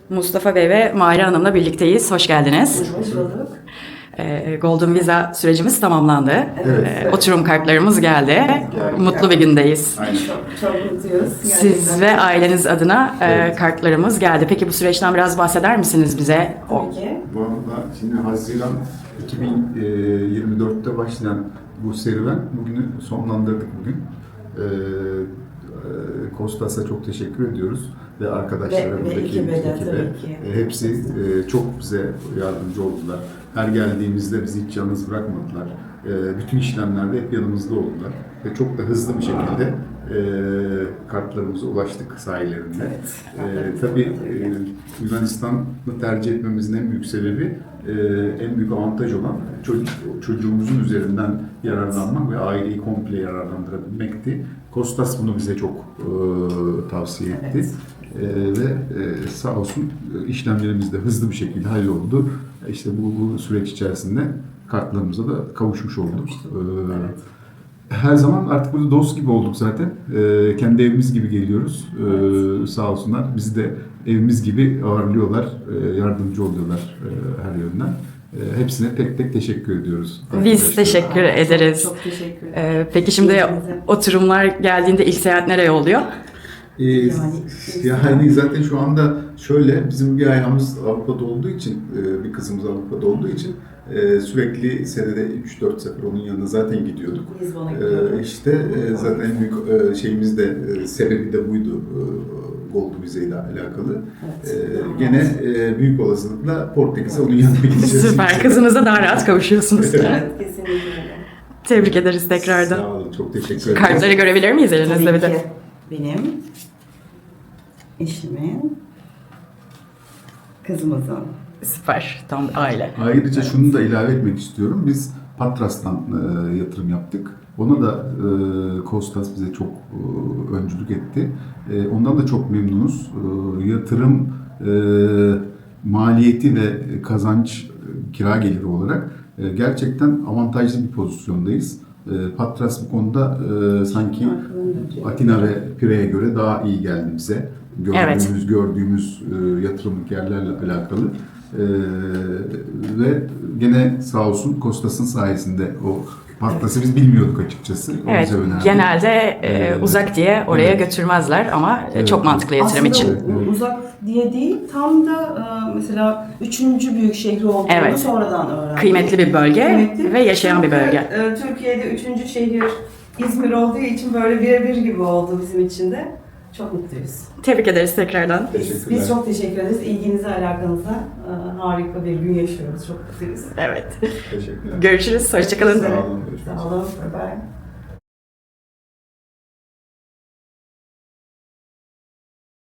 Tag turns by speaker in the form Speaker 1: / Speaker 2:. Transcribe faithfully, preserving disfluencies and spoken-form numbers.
Speaker 1: Mustafa Bey ve Mahire Hanım'la birlikteyiz. Hoş geldiniz.
Speaker 2: Hoş bulduk.
Speaker 1: Ee, Golden Visa sürecimiz tamamlandı.
Speaker 2: Evet.
Speaker 1: Ee, oturum kartlarımız geldi.
Speaker 2: Geldi.
Speaker 1: Mutlu bir gündeyiz.
Speaker 2: Aynen. Çok, çok mutluyuz.
Speaker 1: Siz ve aileniz adına e,
Speaker 3: Evet.
Speaker 1: kartlarımız geldi. Peki bu süreçten biraz bahseder misiniz bize?
Speaker 2: Tabii ki.
Speaker 3: Bu arada şimdi Haziran iki bin yirmi dörtte başlayan bu serüven bugünü sonlandırdık bugün. Ee, e, Kostas'a çok teşekkür ediyoruz ve arkadaşlara,
Speaker 2: Ve- ve
Speaker 3: buradaki
Speaker 2: ekibe de
Speaker 3: ekibe.
Speaker 2: tabii ki.
Speaker 3: E, hepsi e, çok bize yardımcı oldular. Her geldiğimizde bizi hiç yalnız bırakmadılar. E, bütün işlemlerde hep yanımızda oldular ve çok da hızlı bir şekilde e, kartlarımıza ulaştık sayelerinde.
Speaker 2: Evet.
Speaker 3: E, tabii e, Yunanistan'ı tercih etmemizin en büyük sebebi, e, en büyük avantaj olan çocuk, çocuğumuzun üzerinden yararlanmak ve aileyi komple yararlandırabilmekti. Kostas bunu bize çok e, tavsiye etti.
Speaker 2: Evet.
Speaker 3: E, ve e, sağ olsun e, işlemlerimiz de hızlı bir şekilde halloldu. E, İşte bu, bu süreç içerisinde kartlarımıza da kavuşmuş olduk. E,
Speaker 2: Evet.
Speaker 3: her zaman artık burada dost gibi olduk zaten. Ee, kendi evimiz gibi geliyoruz. Ee, sağ olsunlar. Bizi de evimiz gibi ağırlıyorlar, e, yardımcı oluyorlar e, her yönden. E, hepsine tek tek teşekkür ediyoruz.
Speaker 1: Biz
Speaker 3: arkadaşlar.
Speaker 1: teşekkür
Speaker 2: Çok-
Speaker 1: ederiz.
Speaker 2: Çok teşekkür ederim.
Speaker 1: Ee, peki şimdi
Speaker 2: İlginize.
Speaker 1: oturumlar geldiğinde ilk seyahat nereye oluyor?
Speaker 3: Ee,
Speaker 2: Yani-
Speaker 3: yani zaten şu anda şöyle, bizim bir ayağımız Avrupa'da olduğu için, e, bir kızımız Avrupa'da olduğu için e, sürekli senede üç dört sefer onun yanına zaten gidiyorduk.
Speaker 2: Lizbon'a
Speaker 3: Ee,
Speaker 2: gidiyoruz.
Speaker 3: işte e, zaten en büyük e, şeyimiz de e, sebebi de buydu, e, Golden Visa ile alakalı.
Speaker 2: Evet.
Speaker 3: Ee, gene e, büyük olasılıkla Portekiz'e onun yanına gideceğiz.
Speaker 1: Süper. Kızınıza daha rahat kavuşuyorsunuz.
Speaker 2: Evet, kesinlikle öyle.
Speaker 1: Tebrik ederiz tekrardan.
Speaker 3: Sağ olun, çok teşekkür ederim.
Speaker 1: Kartları görebilir miyiz elinizde
Speaker 2: Tabii
Speaker 1: bir de?
Speaker 2: ki. Benim, eşimin, kızımızın.
Speaker 1: Süper. Tam bir aile.
Speaker 3: Ayrıca şunu da ilave etmek istiyorum. Biz Patras'tan e, yatırım yaptık. Ona da e, Kostas bize çok e, öncülük etti. E, ondan da çok memnunuz. E, yatırım e, maliyeti ve kazanç e, kira geliri olarak e, gerçekten avantajlı bir pozisyondayız. E, Patras bu konuda e, sanki Atina ve Pire'ye göre daha iyi geldi bize. Gördüğümüz,
Speaker 1: Evet.
Speaker 3: gördüğümüz e, yatırımlık yerlerle alakalı. Ee, ve gene sağ olsun Kostas'ın sayesinde o Patlas'ı biz bilmiyorduk açıkçası. O
Speaker 1: Evet,
Speaker 3: bize önerdi.
Speaker 1: genelde e,
Speaker 3: Evet.
Speaker 1: uzak diye oraya
Speaker 3: Evet.
Speaker 1: götürmezler ama e,
Speaker 3: Evet.
Speaker 1: çok mantıklı yatırım
Speaker 2: Aslında
Speaker 1: için.
Speaker 3: Evet.
Speaker 2: u- uzak diye değil, tam da e, mesela üçüncü büyük şehri olduğunu
Speaker 1: Evet.
Speaker 2: sonradan öğrendik.
Speaker 1: Kıymetli bir bölge
Speaker 2: Kıymetli.
Speaker 1: ve yaşayan bir
Speaker 2: Çünkü,
Speaker 1: bölge.
Speaker 2: e, Türkiye'de üçüncü şehir İzmir olduğu için böyle birebir gibi oldu bizim için de. Çok mutluyuz.
Speaker 1: Tebrik ederiz tekrardan.
Speaker 2: Biz, biz çok teşekkür ederiz. İlginize, alakanıza e, harika bir gün yaşıyoruz. Çok mutluyuz.
Speaker 1: Evet.
Speaker 3: Teşekkürler.
Speaker 1: Görüşürüz. Hoşçakalın.
Speaker 3: Sağ olun. Görüşmek üzere.
Speaker 2: Sağ olun. Bye bye.